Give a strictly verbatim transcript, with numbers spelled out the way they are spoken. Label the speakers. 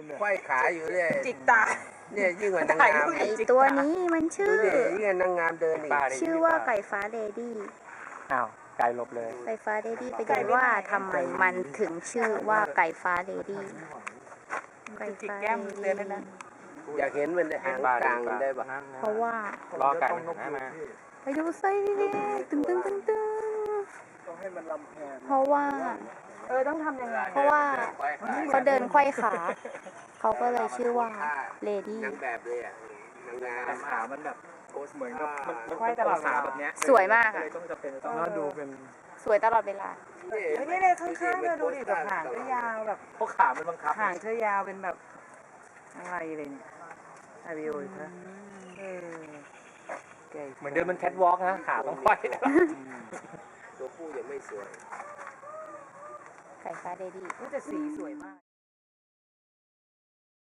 Speaker 1: ไขว้ขาอยู่เลย
Speaker 2: จิกตา
Speaker 1: เนี่ยยิ่งกว่านางงาม
Speaker 3: ไอตัวนี้มันชื่อ
Speaker 1: ดูดิยิ่งกว่านางงามเดินอีก
Speaker 3: ชื่อว่าไก่ฟ้าเลดี้
Speaker 4: อ้าวไก่หลบเลย
Speaker 3: ไก่ฟ้าเลดี้ไปดูว่าทำไมมันถึงชื่อว่าไก่ฟ้าเลดี้ไก่
Speaker 2: จิก
Speaker 3: ฟ้า
Speaker 2: แก้ม
Speaker 3: เล
Speaker 2: เตือน
Speaker 3: ดี้
Speaker 2: ด้วยนะ
Speaker 1: อยากเห็นมันหางกลางได้ปะ
Speaker 3: เพราะว่า
Speaker 4: รอไก่มันหันหน้ามา
Speaker 3: ไปดูไส้ตึงตึงตึงตึงเพราะว่า
Speaker 2: เออต้องทำยังไง
Speaker 3: เพราะว่าเขาเดินไขว้ขา เขาก็เลยชื่อว่าเลดี้
Speaker 1: นางแบบเลยอ่ะนางงาม
Speaker 4: ขามันแบบโพสเหมือนกับมัน
Speaker 2: ไขว้ตลอดเวลา
Speaker 4: แบบเนี้ย
Speaker 3: สวยมาก
Speaker 4: เล
Speaker 3: อ่ะ
Speaker 4: ยต้องจะเป็นต้องดูเป็น
Speaker 3: สวยตลอดเวลา
Speaker 2: เฮ้ยนี่เลยข้างๆเธอดูดิแบบหางเธอยาวแบบ
Speaker 4: พวกขามันบังคับ
Speaker 2: หางเธอยาวเป็นแบบอะไรเลยเนี่ยอาริโออีกแล้วเออเก๋
Speaker 4: เหมือนเดินมันแคทวอล์กนะขาต้องไขว้
Speaker 1: ตัวผู้ยังไม่สวย
Speaker 3: ไก่ฟ้าเลดี้
Speaker 2: แต่สีสวยมาก